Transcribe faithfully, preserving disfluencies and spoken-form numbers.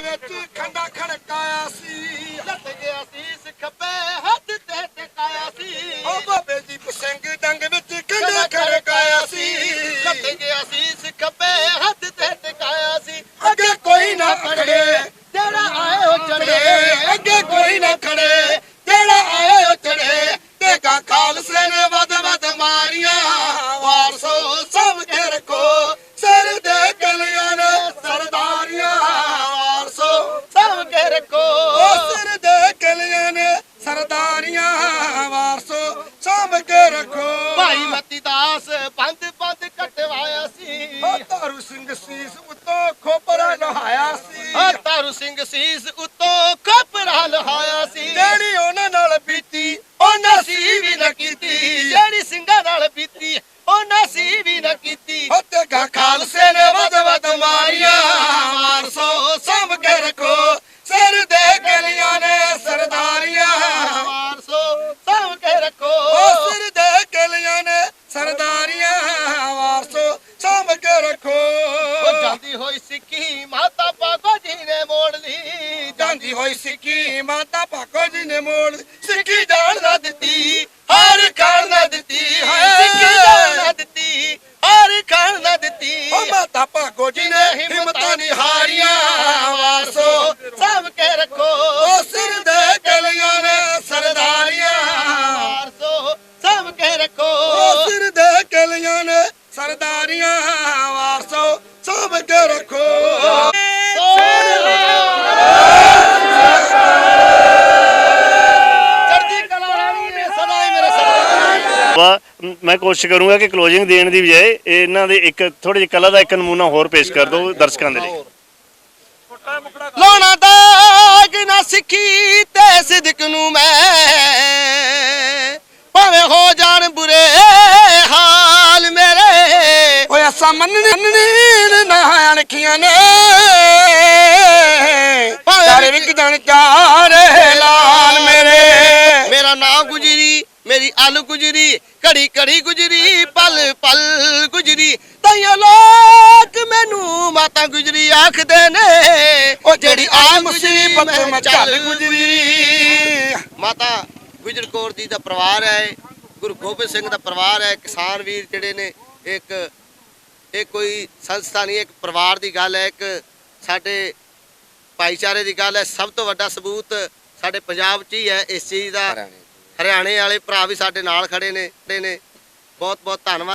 ਵਿੱਚ ਖੰਡਾ ਖੜਕਾਇਆ ਸੀ, ਲੱਤ ਗਿਆ ਸੀਸ ਖੱਬੇ ਹੱਥ ਤੇ ਟਿਕਾਇਆ ਸੀ। ਉਹ ਬਾਬੇ ਦੀਪ ਸਿੰਘ ਡੰਗ ਵਿੱਚ ਖੰਡਾ ਖੜਕਾਇਆ ਸੀ, ਲੱਤ ਗਿਆ ਸੀਸ ਖੱਬੇ ਹੱਥ ਤੇ ਟਿਕਾਇਆ ਸੀ। ਅੱਗੇ ਕੋਈ ਨਾ ਖੜੇ ਜਿਹੜਾ ਆਏ ਉਹ ਚੜੇ, ਅੱਗੇ ਕੋਈ ਨਾ ਖੜੇ ਜਿਹੜਾ ਆਏ ਉਹ ਚੜੇ। ਦੇਖਾ ਖਾਲਸੇ ਨੇ ਵੱਧ ਵੱਧ ਮਾਰੀਆਂ, ਵਾਰਸੋ ਸਭ ਕੇ ਰੱਖੋ ਸਿਰ ਦੇ ਗਲੀਆਂ ਨੇ ਸਰਦਾਰੀਆਂ, ਵਾਰਸੋ ਸਭ ਕੇ ਰੱਖੋ ਉਹ ਸਿਰ ਦੇ ਗਲੀਆਂ ਨੇ ਸਰਦਾਰੀਆਂ, ਵਾਰਸੋ ਸਭ ਕੇ ਰੱਖੋ। ਭਾਈ ਮਤੀ ਦਾਸ ਬੰਦ ਬੰਦ ਕਟਵਾਇਆ ਸੀ, ਉਹ ਤਾਰੂ ਸਿੰਘ ਸੀਸ ਉੱਤੋਂ ਖੋਪਰਾ ਲਹਾਇਆ ਸੀ, ਓ ਤਾਰੂ ਸਿੰਘ ਸੀਸ ਉੱਤੋਂ ਖੋਪਰਾ ਲਹਾਇਆ ਸੀ। ਜਿਹੜੀ ਉਹਨਾਂ ਨਾਲ ਬੀਤੀ ਉਹਨਾਂ ਸੀ ਵੀ ਨਾ ਕੀਤੀ, ਜਿਹੜੀ ਸਿੰਘਾਂ ਨਾਲ ਬੀਤੀ ਉਹਨਾਂ ਸੀ ਵੀ ਨਾ ਕੀਤੀ। ਉਹ ਤੇ ਖਾਲਸੇ ਨੇ ਵੱਧ ਵੱਧ ਮਾਰੀਆਂ, ਵਾਰਸੋ ਸਭ ਕੇ ਰੱਖੋ ਸਿਰ ਦੇ ਗਲੀਆਂ ਨੇ ਸਰਦਾਰੀਆਂ, ਵਾਰਸੋ ਸਭ ਕੇ ਰੱਖੋ ਉਹ ਸਿਰ ਦੇ ਗਲੀਆਂ ਨੇ ਸਰਦਾਰੀਆਂ, ਵਾਰਸੋ ਸਭ ਕੇ ਰੱਖੋ। ਉਹ ਜਾਂਦੀ ਹੋਈ ਸਿੱਖੀ ਮਾਤਾ ਭਾਗੋ ਜੀ ਨੇ ਮੋੜ ਲਈ, ਜਾਂਦੀ ਹੋਈ ਸਿੱਖੀ ਮਾਤਾ ਭਾਗੋ ਜੀ ਨੇ ਮੋੜ ਸਿੱਖੀ ਜਾਣ ਨਾ ਦਿੱਤੀ, ਹਰ ਖਾਣ ਨਾ ਦਿੱਤੀ, ਸਿੱਖੀ ਜਾਣ ਨਾ ਦਿੱਤੀ, ਹਰ ਖਾਣ ਨਾ ਦਿੱਤੀ। ਉਹ ਮਾਤਾ ਭਾਗੋ ਜੀ ਨੇ ਹਿੰਮਤਾਂ ਨਹੀਂ ਹਾਰੀਆਂ, ਵਾਰਸੋ ਸਭ ਕੇ ਰੱਖੋ ਉਹ ਸਿਰ ਦੇ ਗਲੀਆਂ ਨੇ ਸਰਦਾਰੀਆਂ, ਵਾਰਸੋ ਸਭ ਕੇ ਰੱਖੋ ਉਹ ਸਿਰ ਦੇ ਗਲੀਆਂ ਨੇ ਸਰਦਾਰੀਆਂ, ਵਾਰਸੋ ਸਭ ਕੇ ਰੱਖੋ। ਚੜ੍ਹਦੀ ਕਲਾ ਰਾਣੀ ਨੇ ਸਦਾ ਹੀ ਮੇਰੇ ਸਾਥ। ਵਾ ਮੈਂ ਕੋਸ਼ਿਸ਼ ਕਰੂੰਗਾ ਕਿ ਕਲੋਜ਼ਿੰਗ ਦੇਣ ਦੀ ਬਜਾਏ ਇਹਨਾਂ ਦੇ ਇੱਕ ਥੋੜੀ ਜਿਹੀ ਕਲਾ ਦਾ ਇੱਕ ਨਮੂਨਾ ਹੋਰ ਪੇਸ਼ ਕਰ ਦਿਓ ਦਰਸ਼ਕਾਂ ਦੇ ਲਈ। ਲਾਉਣਾ ਦਾਗ ਨਾ ਸਿੱਖੀ ਤੇ ਸਿਦਕ ਨੂੰ ਮੈਂ, ਭਾਵੇਂ ਹੋ ਜਾਣ ਬੁਰੇ ਹਾਲ ਮੇਰੇ। ਓਏ ਅਸਾਂ ਮੰਨਣੀ ਨਾ ਅਣਖੀਆਂ ਨੇ, ਚਾਰੇ ਵਿਕ ਜਾਣ ਚਾਰੇ ਲਾਲ ਮੇਰੇ। ਮੇਰਾ ਨਾਂ ਗੁਜਰੀ ਮੇਰੀ ਅਲ ਗੁਜਰੀ, ਘੜੀ ਘੜੀ ਗੁਜਰੀ ਪਲ ਪਲ ਗੁਜਰੀ। ਤਾਈਓ ਲੋਕ ਮੈਨੂੰ ਮਾਤਾ ਗੁਜਰੀ ਆਖਦੇ ਨੇ, ਉਹ ਜਿਹੜੀ ਆ ਮੁਸੀਬਤ ਮੈਂ ਚੱਲ ਗੁਜਰੀ। ਮਾਤਾ ਗੁਜਰ ਕੌਰ ਜੀ ਦਾ ਪਰਿਵਾਰ ਹੈ, ਗੁਰੂ ਗੋਬਿੰਦ ਸਿੰਘ ਦਾ ਪਰਿਵਾਰ ਹੈ। ਕਿਸਾਨ ਵੀਰ ਜਿਹੜੇ ਨੇ ਇੱਕ ਇਹ ਕੋਈ ਸੰਸਥਾ ਨਹੀਂ, ਇੱਕ ਪਰਿਵਾਰ ਦੀ ਗੱਲ ਹੈ, ਇੱਕ ਸਾਡੇ ਭਾਈਚਾਰੇ ਦੀ ਗੱਲ ਹੈ। ਸਭ ਤੋਂ ਵੱਡਾ ਸਬੂਤ ਸਾਡੇ ਪੰਜਾਬ 'ਚ ਹੀ ਹੈ ਇਸ ਚੀਜ਼ ਦਾ। ਹਰਿਆਣੇ ਵਾਲੇ ਭਰਾ ਵੀ ਸਾਡੇ ਨਾਲ ਖੜੇ ਨੇ ਨੇ ਬਹੁਤ ਬਹੁਤ ਧੰਨਵਾਦ।